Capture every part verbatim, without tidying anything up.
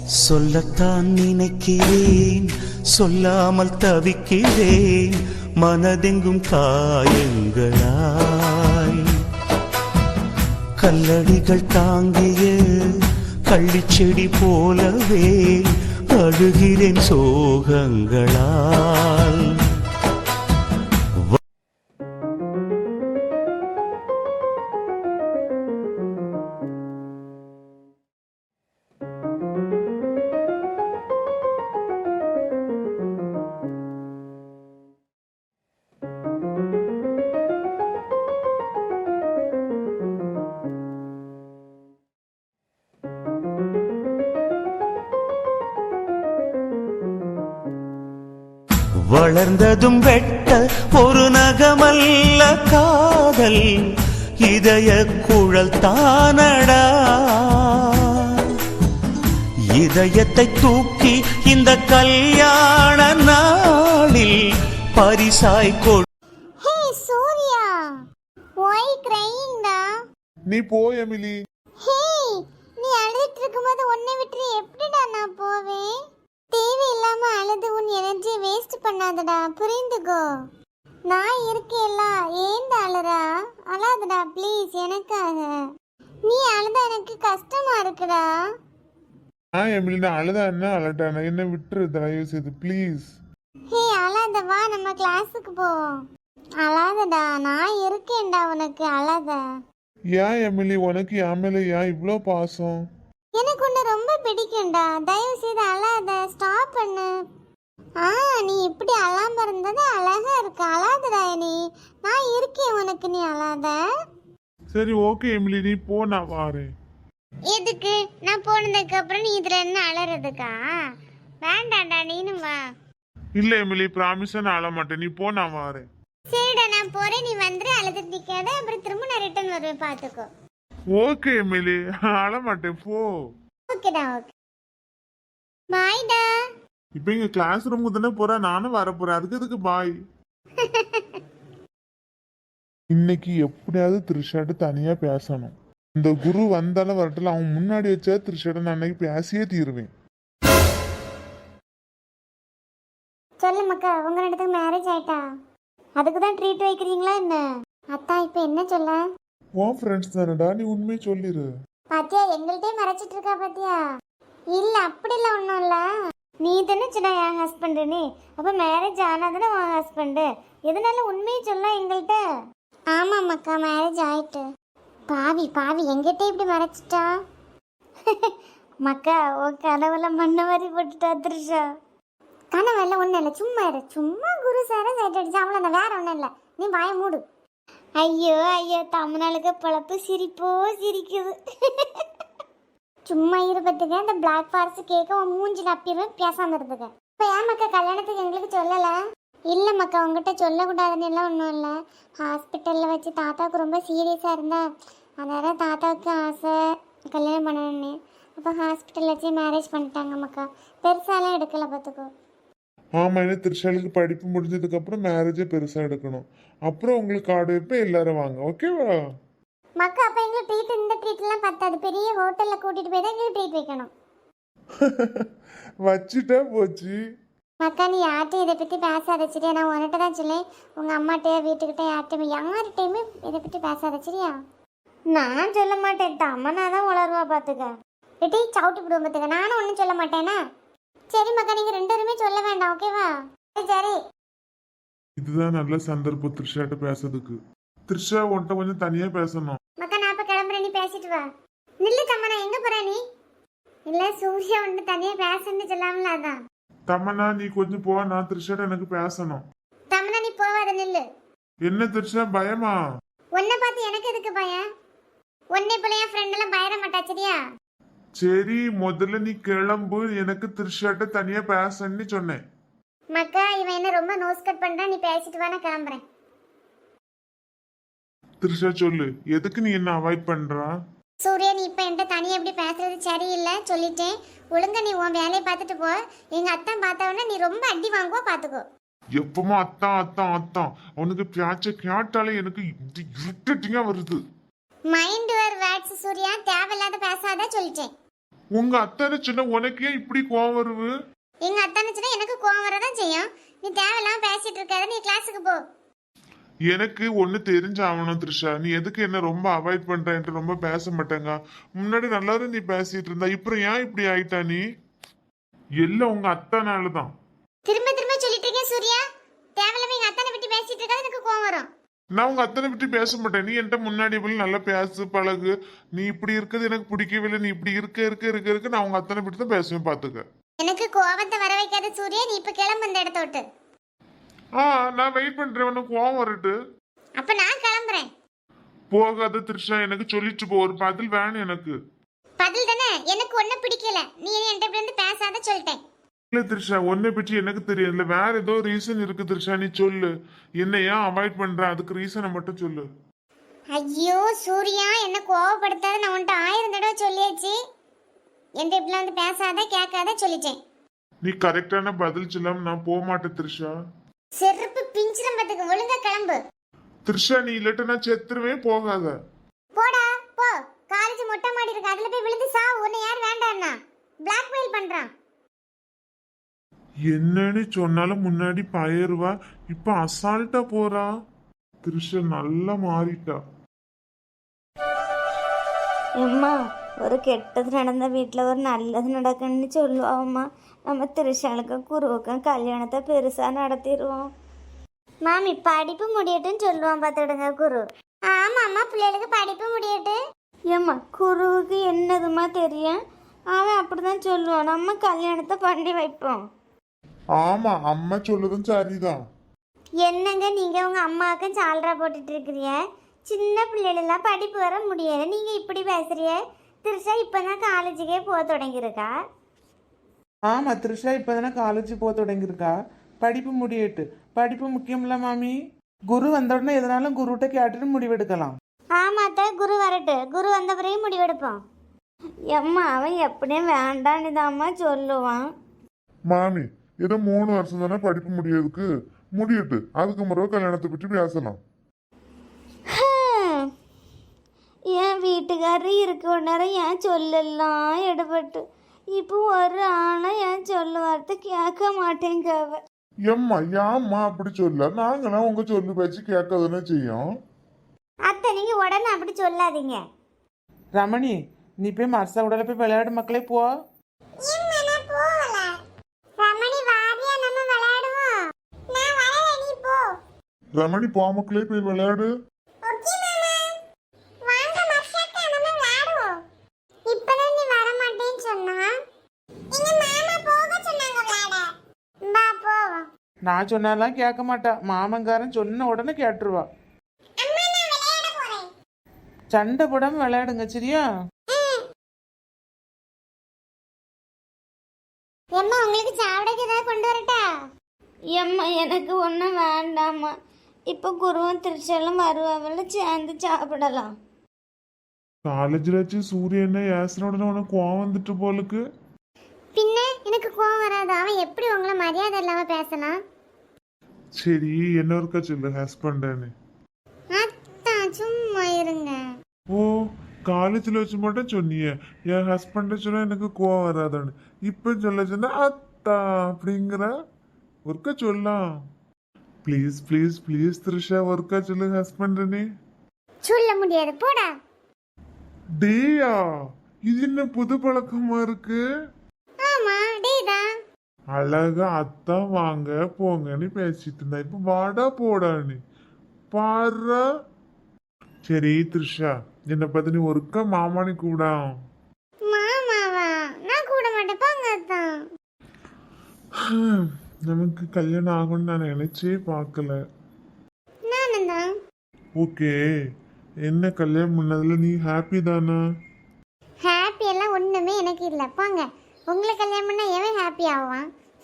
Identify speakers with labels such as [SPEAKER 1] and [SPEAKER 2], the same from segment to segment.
[SPEAKER 1] சொல்லத்தான் நினைக்கிறேன், சொல்லாமல் தவிக்கிறேன், மனதெங்கும் காயங்களாய். கல்லடிகள் தாங்கிய கள்ளிச்செடி போலவே அழுகிறேன் சோகங்களால். வளர்ந்ததும் வெட்ட ஒரு நகமல்ல காதல், இதய குழல் தானடா. இதயத்தை தூக்கி இந்த கல்யாண நாளில் பரிசாய் கொடு.
[SPEAKER 2] ஹே சூர்யா, why crying டா?
[SPEAKER 3] நீ போ எமிலி.
[SPEAKER 2] ஹே, நீ அழுதுட்டு இருக்கும்போது உன்னை விட்டு எப்படிடா நான் போவேன்? தேவையில்லாம அழுது உன் எனர்ஜி வேஸ்ட் பண்ணாதடா, புரிந்துக்கோ. நான் இருக்கேல்ல, ஏன்டா அழுறா? அழாதடா ப்ளீஸ், எனக்காக. நீ அழுதா எனக்கு கஷ்டமா இருக்குடா.
[SPEAKER 3] ஆ எமிலி, நான் அழுதா என்ன அழட்டான, என்ன விட்டுரு தயவு செய்து ப்ளீஸ்.
[SPEAKER 2] ஹே அழாத, வா நம்ம கிளாஸுக்கு போவோம். அழாதடா, நான் இருக்கேன்டா உனக்கு, அழாத.
[SPEAKER 3] ஏன் எமிலி, உனக்கு என் மேல ஏன் இவ்வளோ பாசம்?
[SPEAKER 2] எனக்கு உன்னை ரொம்ப பிடிக்கும்டா, தயவு செய்து அழாத, ஸ்டாப் பண்ணு. ஆ நீ இப்படி அழாம இருந்தது அழகா இருக்கு, அழாதடா. நீ நான் இருக்கேன் உனக்கு, நீ அழாத.
[SPEAKER 3] சரி ஓகே எமிலி, நீ போ, நான் வாரேன்.
[SPEAKER 2] எதுக்கு? நான் போனதுக்கு அப்புறம் நீ இதுல என்ன அழறதுக்கா? வேண்டாம்டா, நீனும் வா.
[SPEAKER 3] இல்ல எமிலி, ப்ராமிஸா நான் அழ மாட்டேன், நீ போ, நான் வாரேன்.
[SPEAKER 2] சரிடா, நான் போறேன், நீ வந்துரு, அழுது நிக்காத, அப்புறம் திரும்ப நான் ரிட்டர்ன் வருவேன், பாத்துக்கோ.
[SPEAKER 3] ஓகே எமிலி, அழ மாட்டேன், போ.
[SPEAKER 2] ஓகேடா, ஓகே. பாய்டா.
[SPEAKER 3] இப்போ இங்க கிளாஸ் ரூமுக்கு தானே போறேன், நானும் வர போறேன், அதுக்கு எதுக்கு பாய்? இன்னைக்கு எப்படியாவது த்ரிஷாட்டு தனியா பேசணும். இந்த குரு வந்தாலும் வரட்டல, அவன் முன்னாடி வச்சா த்ரிஷாட்ட நான் அன்னைக்கு பேசியே தீருவேன்.
[SPEAKER 2] சொல்லு மக்கா, உங்க ரெண்டுத்துக்கு மேரேஜ் ஆயிட்டா? அதுக்கு தான் ட்ரீட் வைக்கிறீங்களா என்ன? அத்தா இப்போ என்ன சொல்ல?
[SPEAKER 3] உன் ஃப்ரெண்ட்ஸ் தானடா, நீ உண்மையை சொல்லிரு.
[SPEAKER 2] பாத்தியா, எங்கள்கிட்டயே மறைச்சிட்டு இருக்கா பாத்தியா? இல்ல அப்படிலாம் ஒன்றும் இல்லை. நீ தானே சொன்ன என் ஹஸ்பண்டுன்னு, அப்போ மேரேஜ் ஆனாதானே உன் ஹஸ்பண்டு, எதனால உண்மையை சொல்ல எங்கள்கிட்ட? ஆமாம் மக்கா, மேரேஜ் ஆயிட்டு. பாவி பாவி, எங்கிட்ட இப்படி மறைச்சிட்டா? மக்கா, உன் கனவுல மண்ண மாதிரி போட்டுட்டா த்ரிஷா. கனவெல்லாம் ஒன்றும் இல்லை, சும்மா இரு. சும்மா குரு சாரை சைட் அடிச்சா அவ்வளோதான், வேற ஒன்றும் இல்லை. நீ வாய மூடு. ஐயோ ஐயோ, தமிழ்நாளுக்கு பழப்பு சிரிப்போ சிரிக்குது. சும்மா இருபத்துக்கு அந்த பிளாக் ஃபாரஸ்ட் கேட்க உன் மூஞ்சில் அப்பிடுவேன், பேசாமல் இருந்துக்க. இப்போ ஏன் மக்கா கல்யாணத்துக்கு எங்களுக்கு சொல்லலை? இல்லை மக்கா, உங்ககிட்ட சொல்லக்கூடாதுன்னு எல்லாம் ஒன்றும் இல்லை. ஹாஸ்பிட்டலில் வச்சு தாத்தாவுக்கு ரொம்ப சீரியஸாக இருந்தா, அதனால் தாத்தாவுக்கு ஆசை கல்யாணம் பண்ணணுன்னு. அப்போ ஹாஸ்பிட்டலில் வச்சு மேரேஜ் பண்ணிட்டாங்க மக்கா. பெருசாலாம் எடுக்கலை, பார்த்துக்கோ.
[SPEAKER 3] ஆமா, என்ன த்ரிஷாலுக்கு படிப்பு முடிஞ்சதுக்கு அப்புறம் மேரேஜே பெருசா எடுக்கணும். அப்புறம் உங்களுக்கு கார்டு வைப்பேன், எல்லாரும் வாங்க, ஓகேவா?
[SPEAKER 2] மக்கா, அப்போ எங்களுக்கு ட்ரீட், இந்த ட்ரீட்லாம் பத்தாது, பெரிய ஹோட்டலில் கூட்டிகிட்டு போய் தான் எங்களுக்கு ட்ரீட் வைக்கணும்.
[SPEAKER 3] வச்சுட்டா போச்சு.
[SPEAKER 2] மக்கா, நீ யார்கிட்டையும் இதை பற்றி பேசாத சரியா? நான் உன்கிட்ட தான் சொல்லேன், உங்கள் அம்மாட்டையோ வீட்டுக்கிட்ட யார்கிட்டையுமே யார்கிட்டையுமே இதை பற்றி பேசாத சரியா? நான் சொல்ல மாட்டேன், அம்மனா தான் உளருவா, பார்த்துக்க. ரெட்டி சவுட்டு விடுவோம், பார்த்துக்க. நானும் ஒன்றும் சொல்ல மாட்டேனா? சரி மக்கா, நீங்கள் ரெண்டு பேருமே சொல்ல வேண்டாம், ஓகேவா? சரி.
[SPEAKER 3] இதுதான் நல்ல சந்தர்ப்பம் த்ரிஷாட்ட பேசுறதுக்கு. த்ரிஷா உன்கிட்ட கொஞ்சம் தனியா பேசணும்.
[SPEAKER 2] மக்கா, நான் இப்போ கிளம்புறேன், நீ பேசிட்டு வா. நில்லு தம்மனா, எங்கே போற நீ? இல்லை, சூர்யா ஒன்று தனியாக பேசணுன்னு சொல்லாமல, அதான்.
[SPEAKER 3] தமனா, நீ கொஞ்சம் போ, நான் த்ரிஷாட்ட எனக்கு பேசணும்.
[SPEAKER 2] தம்மனா, நீ போவாத, நில்லு.
[SPEAKER 3] என்ன த்ரிஷா, பயமா?
[SPEAKER 2] உன்னை பார்த்து எனக்கு எதுக்கு பயம்? உன்னை போல என் ஃப்ரெண்ட் எல்லாம் பயர மாட்டா சரியா?
[SPEAKER 3] சரி, முதல்ல நீ கிளம்பு, எனக்கு த்ரிஷாட்ட தனியா பேசன்னு சொன்னேன்.
[SPEAKER 2] மக்கா, இவன் என்ன ரொம்ப நோஸ் கட் பண்றான், நீ பேசிட்டு வா, நான் கிளம்புறேன்.
[SPEAKER 3] த்ரிஷா சொல்லு, எதுக்கு நீ என்ன அவாய்ட் பண்றா?
[SPEAKER 2] சூர்யா, நீ இப்ப என்கிட்ட தனியா எப்படி பேசுறது சரியில்லை, சொல்லிட்டேன். ஒழுங்கா நீ உன் வேலையை பார்த்துட்டு போ. எங்க அத்தான் பார்த்தவொடனே நீ ரொம்ப அடி வாங்குவா, பாத்துக்கோ.
[SPEAKER 3] எப்பமா அத்தான் அத்தான் அத்தான், அவனுக்கு பேச்ச கேட்டாலே எனக்கு இருட்டிங்க வருது.
[SPEAKER 2] மைண்ட் யுவர் வேர்ட்ஸ் சூர்யா, தேவையில்லாத பேசாத சொல்லிட்டேன்.
[SPEAKER 3] உங்க அத்தான சொன்ன உனக்கு ஏன் இப்படி கோவம் வருது?
[SPEAKER 2] எங்க அத்தானுச்சுன்னா எனக்கு கோவம் வரதான் செய்யும். நீ தேவையில்லாம பேசிட்டு இருக்காத, நீ கிளாஸுக்கு போ.
[SPEAKER 3] எனக்கு ஒண்ணு தெரிஞ்சாகணும் த்ரிஷா, நீ எதுக்கு என்ன ரொம்ப அவாய்ட் பண்றேன்ட்டு ரொம்ப பேச மாட்டேங்க. முன்னாடி நல்லாரும் நீ பேசிட்டு இருந்தா, இப்ப ஏன் இப்படி ஆயிட்டா நீ? எல்லாம் உங்க அத்தானாலதான்.
[SPEAKER 2] திரும்ப திரும்ப சொல்லிட்டு இருக்கேன் சூர்யா, தேவையில்லாம எங்க அத்தானை பத்தி பேசிட்டு இருக்காத, எனக்கு கோவம் வரும்.
[SPEAKER 3] நான் உங்க அத்தனை பற்றி பேச மாட்டேன். நீ என்கிட்ட முன்னாடி போல நல்லா பேசு பழகு. நீ இப்படி இருக்கிறது எனக்கு பிடிக்கவே இல்லை. நீ இப்படி இருக்க இருக்க இருக்க இருக்க நான் உங்க அத்தனை பற்றி தான் பேசுவேன், பாத்துக்க.
[SPEAKER 2] எனக்கு கோவத்தை வர வைக்காத சூர்யா, நீ இப்ப கிளம்பு அந்த இடத்த விட்டு.
[SPEAKER 3] ஆ நான் வெயிட் பண்றேன், உனக்கு கோவம் வரட்டு.
[SPEAKER 2] அப்ப நான் கிளம்புறேன்.
[SPEAKER 3] போகாத த்ரிஷா, எனக்கு சொல்லிட்டு போ, ஒரு பதில் வேணும் எனக்கு.
[SPEAKER 2] பதில் தானே, எனக்கு ஒண்ணு பிடிக்கல, நீ என்கிட்ட இப்படி வந்து பேசாத சொல்லிட்டேன்.
[SPEAKER 3] இல்ல த்ரிஷா, உன்னை பற்றி எனக்கு தெரியல, வேற ஏதோ ரீசன் இருக்கு த்ரிஷா, நீ சொல்லு. என்ன ஏன் அவாய்ட் பண்ற, அதுக்கு ரீசனை மட்டும் சொல்லு.
[SPEAKER 2] ஐயோ சூர்யா, என்ன கோவப்படுத்தாத, நான் உன்கிட்ட ஆயிரம் தடவை சொல்லியாச்சு. என்கிட்ட இப்படிலாம் வந்து பேசாத கேட்காத சொல்லிட்டேன்.
[SPEAKER 3] நீ கரெக்டான பதில் சொல்லாம நான் போக மாட்டேன் த்ரிஷா.
[SPEAKER 2] செருப்பு பிஞ்சிரம் பத்துக்கு, ஒழுங்கா கிளம்பு.
[SPEAKER 3] த்ரிஷா நீ இல்லட்ட நான் செத்துருவேன், போகாத.
[SPEAKER 2] போடா போ, காலேஜ் மொட்டை மாடி இருக்கு, அதுல போய் விழுந்து சா. உன்னை யார் வேண்டாம்னா பிளாக்மெயில் பண்றான்.
[SPEAKER 3] என்னன்னு சொன்னாலும் முன்னாடி பயிருவா, இப்ப அசால்ட்டா போறா. த்ரிஷா நல்லா மாறிட்டா.
[SPEAKER 4] அம்மா, ஒரு கெட்டது நடந்த வீட்டில் ஒரு நல்லது நடக்குன்னு சொல்லுவாம்மா. நம்ம திருஷாளுக்கும் குருவுக்கும் கல்யாணத்தை பெருசாக நடத்திடுவோம்.
[SPEAKER 2] மாமி படிப்பு முடியட்டுன்னு சொல்லுவான் பார்த்துடுங்க குரு. ஆமா அம்மா, பிள்ளைகளுக்கு படிப்பு முடியட்டு.
[SPEAKER 4] ஏம்மா, குருவுக்கு என்னதுமா தெரியும்? அவன் அப்படிதான் சொல்லுவான். நம்ம கல்யாணத்தை பண்ணி வைப்போம்.
[SPEAKER 3] ஆமா, அம்மா சொல்லுதும் சரிதான்.
[SPEAKER 2] என்னங்க நீங்க உங்க அம்மாவுக்கும் சால்ரா போட்டுட்டு இருக்கிறிய? சின்ன பிள்ளைகளெல்லாம் படிப்பு வர முடியாது, நீங்க இப்படி பேசுறிய? திருஷா இப்பதான் காலேஜுக்கே போக தொடங்கியிருக்கா.
[SPEAKER 5] ஆமா, த்ரிஷா இப்பதானே காலேஜ் போக தொடங்கியிருக்கா. படிப்பு முடியட்டு. படிப்பு முக்கியம்ல மாமி. குரு வந்த உடனே எதனாலும் குருகிட்ட கேட்டுட்டு முடிவெடுக்கலாம்.
[SPEAKER 2] ஆமாத்த, குரு வரட்டு, குரு வந்த பிறகு முடிவெடுப்போம்.
[SPEAKER 4] எம்மா, அவன் எப்படியும் வேண்டான்னு தாம்மா சொல்லுவான்.
[SPEAKER 3] மாமி, ஏதோ மூணு வருஷம் தானே படிப்பு முடியறதுக்கு, முடியட்டு. அதுக்கு முறை கல்யாணத்தை பற்றி பேசலாம்.
[SPEAKER 4] ஹம். என் வீட்டுக்காரர் இருக்க நேரம் ஏன் சொல்லலாம் எடுபட்டு. இப்போ ஒரு ஆணை ஏன் சொல்ல வார்த்தை கேட்க மாட்டேங்க அவ.
[SPEAKER 3] எம்மா ஏம்மா அப்படி சொல்ல, நாங்களாம் உங்க சொல்லு பேச்சு கேட்கதானே செய்யும்.
[SPEAKER 2] அத்தை நீங்க உடனே அப்படி சொல்லாதீங்க.
[SPEAKER 5] ரமணி, நீ போய் மர்சா உடல போய் விளையாடு மக்களே, போ.
[SPEAKER 3] ரமணி போ மக்களே, போய் விளையாடு.
[SPEAKER 5] நான் சொன்னாலாம் கேட்க மாட்டா. மாமங்காரன் சொன்ன உடனே கேட்டுருவா. சண்டை போடாம விளையாடுங்க, சரியா?
[SPEAKER 2] எம்மா உங்களுக்கு சாப்பிடக்கு ஏதாவது கொண்டு வரட்டா?
[SPEAKER 4] எம்மா, எனக்கு ஒன்றும் வேண்டாம்மா. இப்போ குருவும் திருச்செல்லும் வருவாவில் சேர்ந்து சாப்பிடலாம்.
[SPEAKER 3] காலேஜ்ல வச்சு சூரியனை ஏசுன உடனே உனக்கு கோவம் வந்துட்டு போலுக்கு.
[SPEAKER 2] பின்ன எனக்கு கோவம் வராது, அவன் எப்படி உங்களை மரியாதை இல்லாம பேசலாம்?
[SPEAKER 3] சரி, என்ன ஒருக்கா சொல்லு ஹஸ்பண்டானு.
[SPEAKER 2] அத்தான் சும்மா இருங்க.
[SPEAKER 3] ஓ, காலேஜ்ல வச்சு மட்டும் சொன்னிய என் ஹஸ்பண்ட சொன்னா எனக்கு கோவம் வராதான்னு. இப்ப சொல்ல சொன்னா அத்தா அப்படிங்கிற. ஒருக்கா சொல்லலாம். ப்ளீஸ் ப்ளீஸ் ப்ளீஸ் த்ரிஷா, ஒருக்கா சொல்லு ஹஸ்பண்டனே.
[SPEAKER 2] சொல்ல முடியாது, போடா.
[SPEAKER 3] டேயா, இது என்ன புது பழக்கமா இருக்கு?
[SPEAKER 2] ஆமா டேதான்.
[SPEAKER 3] அழகா அத்தா வாங்க போங்கன்னு பேசிட்டு இருந்தா, இப்ப வாடா போடான்னு பாரு. சரி த்ரிஷா, என்ன பத்தி நீ ஒருக்கா மாமானி கூடா.
[SPEAKER 2] மாமாவா? நான் கூட மாட்டேன், போங்க அத்தான்.
[SPEAKER 3] நமக்கு கல்யாணம் ஆகும்னு நான் நினைச்சே பார்க்கல.
[SPEAKER 2] நானும் தான்.
[SPEAKER 3] ஓகே, என்ன கல்யாணம் பண்ணதுல நீ ஹாப்பி தானா?
[SPEAKER 2] ஹாப்பி எல்லாம் ஒண்ணுமே எனக்கு இல்ல, போங்க. உங்களை கல்யாணம் பண்ணா எவன் ஹாப்பி ஆவான்?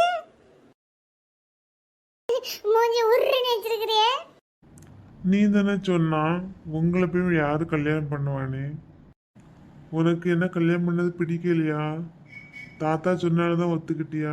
[SPEAKER 2] மூஞ்சி உருன்னு வச்சிருக்கிறியே.
[SPEAKER 3] நீ தானே சொன்னா உங்களை போய் யாரு கல்யாணம் பண்ணுவானே. உனக்கு என்ன கல்யாணம் பண்ணது பிடிக்கலையா? தாத்தா சொன்னால்தான் ஒத்துக்கிட்டியா?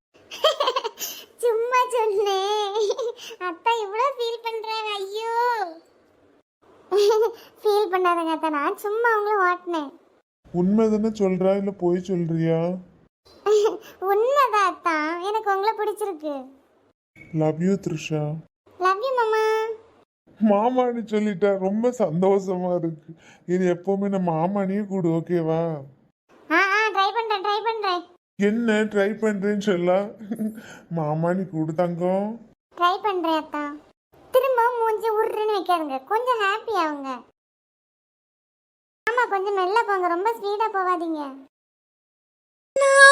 [SPEAKER 2] சும்மா சொன்னேன். அத்தா இவ்வளவு ஃபீல் பண்றாங்க. ஐயோ, ஃபீல் பண்ணாதங்க அத்தா, நான் சும்மா உங்களை ஓட்டினேன்.
[SPEAKER 3] உண்மை தானே சொல்றா இல்ல போய் சொல்றியா?
[SPEAKER 2] உண்மைதான் அத்தா, எனக்கு உங்களை பிடிச்சிருக்கு.
[SPEAKER 3] Love you Trisha.
[SPEAKER 2] Love you மாமா.
[SPEAKER 3] மாமான்னு சொல்லிட்டா ரொம்ப சந்தோஷமா இருக்கு. இது எப்பவுமே நான் மாமானியே கூடு, ஓகேவா?
[SPEAKER 2] ஆ ஆ ட்ரை பண்றேன் ட்ரை பண்றேன்
[SPEAKER 3] என்ன ட்ரை பண்றேன்னு சொல்ல? மாமானி கூடு தங்கம்.
[SPEAKER 2] ட்ரை பண்றேன் அத்தா. திரும்ப மூஞ்சி உருன்னு வைக்காதுங்க, கொஞ்சம் ஹாப்பி ஆகுங்க. ஆமா, கொஞ்சம் மெல்ல போங்க, ரொம்ப ஸ்பீடா போகாதீங்க.